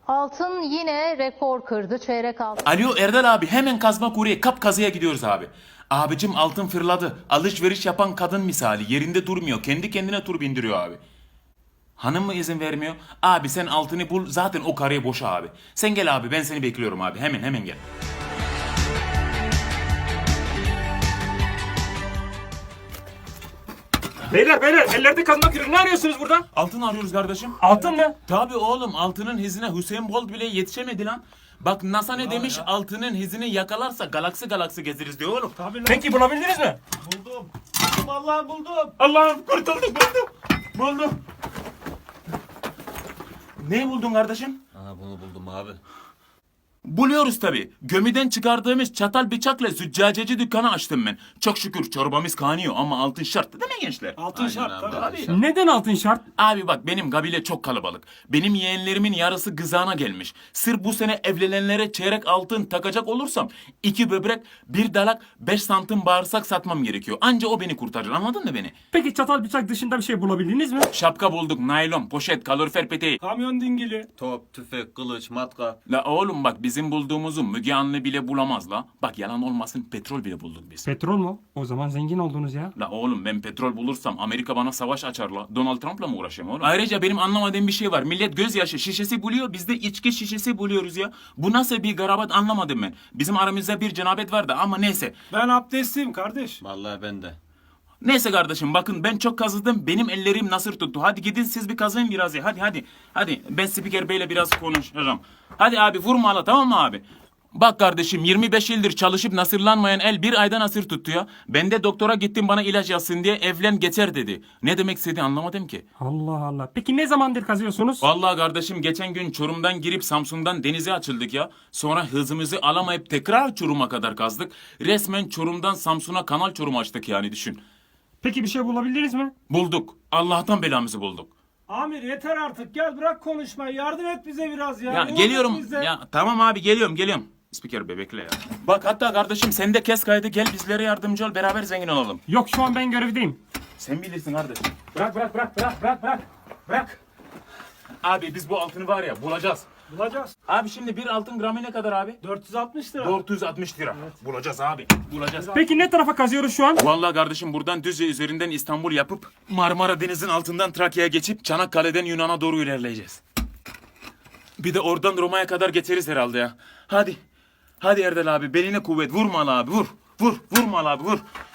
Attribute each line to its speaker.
Speaker 1: Altın yine rekor kırdı. Çeyrek altın.
Speaker 2: Alo Erdal abi, hemen kazma kuruya kap kazıya gidiyoruz abi. Abicim altın fırladı. Alışveriş yapan kadın misali, yerinde durmuyor. Kendi kendine tur bindiriyor abi. Hanım mı izin vermiyor? Abi sen altını bul, zaten o karıya boşa abi. Sen gel abi, ben seni bekliyorum abi. Hemen gel.
Speaker 3: Beyler ellerde kazma kürek, ne arıyorsunuz burada?
Speaker 2: Altın arıyoruz kardeşim.
Speaker 3: Altın mı?
Speaker 2: Tabii oğlum, altının hizine Hüseyin Bolt bile yetişemedi lan. Bak NASA ne demiş? Altının hizini yakalarsa galaksi gezeriz diyor oğlum.
Speaker 3: Peki bulabildiniz mi?
Speaker 4: Buldum. Vallahi buldum.
Speaker 2: Allah'ım kurtulduk, buldum. Ne buldun kardeşim?
Speaker 4: Aha bunu buldum abi.
Speaker 2: Buluyoruz tabii. Gömüden çıkardığımız çatal bıçakla züccaceci dükkanı açtım ben. Çok şükür çorbamız kaynıyor ama altın şart değil mi gençler?
Speaker 3: Altın
Speaker 4: Aynen
Speaker 3: şart
Speaker 4: abi,
Speaker 3: tabii.
Speaker 4: altın şart.
Speaker 3: Neden altın şart?
Speaker 2: Abi bak, benim kabile çok kalabalık. Benim yeğenlerimin yarısı gızana gelmiş. Sırf bu sene evlenenlere çeyrek altın takacak olursam 2 böbrek, 1 dalak, 5 santim bağırsak satmam gerekiyor. Anca o beni kurtarır, anladın mı beni?
Speaker 3: Peki çatal bıçak dışında bir şey bulabildiniz mi?
Speaker 2: Şapka bulduk, naylon, poşet, kalorifer peteği.
Speaker 3: Kamyon dingili.
Speaker 4: Top, tüfek, kılıç, matkap.
Speaker 2: La oğlum bak, bizim bulduğumuzu Müge Anlı bile bulamaz la. Bak yalan olmasın, petrol bile bulduk biz.
Speaker 3: Petrol mu? O zaman zengin oldunuz ya.
Speaker 2: La oğlum, ben petrol bulursam Amerika bana savaş açar la. Donald Trump'la mı uğraşayım oğlum? Ayrıca benim anlamadığım bir şey var. Millet gözyaşı şişesi buluyor, biz de içki şişesi buluyoruz ya. Bu nasıl bir garabat anlamadım ben. Bizim aramızda bir cenabet vardı ama neyse.
Speaker 5: Ben abdestliyim kardeş.
Speaker 4: Vallahi ben de.
Speaker 2: Neyse kardeşim, bakın ben çok kazıdım. Benim ellerim nasır tuttu. Hadi gidin siz bir kazıyın biraz ya. Hadi. Ben spiker beyle biraz konuşacağım. Hadi abi, vurma hala, tamam mı abi? Bak kardeşim, 25 yıldır çalışıp nasırlanmayan el bir ayda nasır tuttu ya. Ben de doktora gittim, bana ilaç yazsın diye, evlen geçer dedi. Ne demek istedi anlamadım ki.
Speaker 3: Allah Allah. Peki ne zamandır kazıyorsunuz?
Speaker 2: Vallahi kardeşim, geçen gün Çorum'dan girip Samsun'dan denize açıldık ya. Sonra hızımızı alamayıp tekrar Çorum'a kadar kazdık. Resmen Çorum'dan Samsun'a kanal Çorum açtık yani, düşün.
Speaker 3: Peki bir şey bulabildiniz mi?
Speaker 2: Bulduk. Allah'tan belamızı bulduk.
Speaker 5: Amir yeter artık, gel bırak konuşmayı, yardım et bize biraz ya.
Speaker 2: Ya
Speaker 5: Yardım et
Speaker 2: geliyorum.
Speaker 5: bize.
Speaker 2: Ya tamam abi, geliyorum. Spiker bebekle ya. Bak hatta kardeşim, sen de kes kaydı, gel bizlere yardımcı ol, beraber zengin olalım.
Speaker 3: Yok, şu an ben görevdeyim.
Speaker 2: Sen bilirsin kardeşim. Bırak. Abi biz bu altını var ya bulacağız.
Speaker 5: Bulacağız.
Speaker 2: Abi şimdi bir altın gramı ne kadar abi?
Speaker 5: 460 lira.
Speaker 2: 460 lira. Bulacağız abi. Bulacağız.
Speaker 3: Peki ne tarafa kazıyoruz şu an?
Speaker 2: Vallahi kardeşim, buradan Düzce üzerinden İstanbul yapıp Marmara Denizi'nin altından Trakya'ya geçip Çanakkale'den Yunan'a doğru ilerleyeceğiz. Bir de oradan Roma'ya kadar geçeriz herhalde ya. Hadi Erdal abi, beline kuvvet, vurma abi, vur. Vurma abi, vur.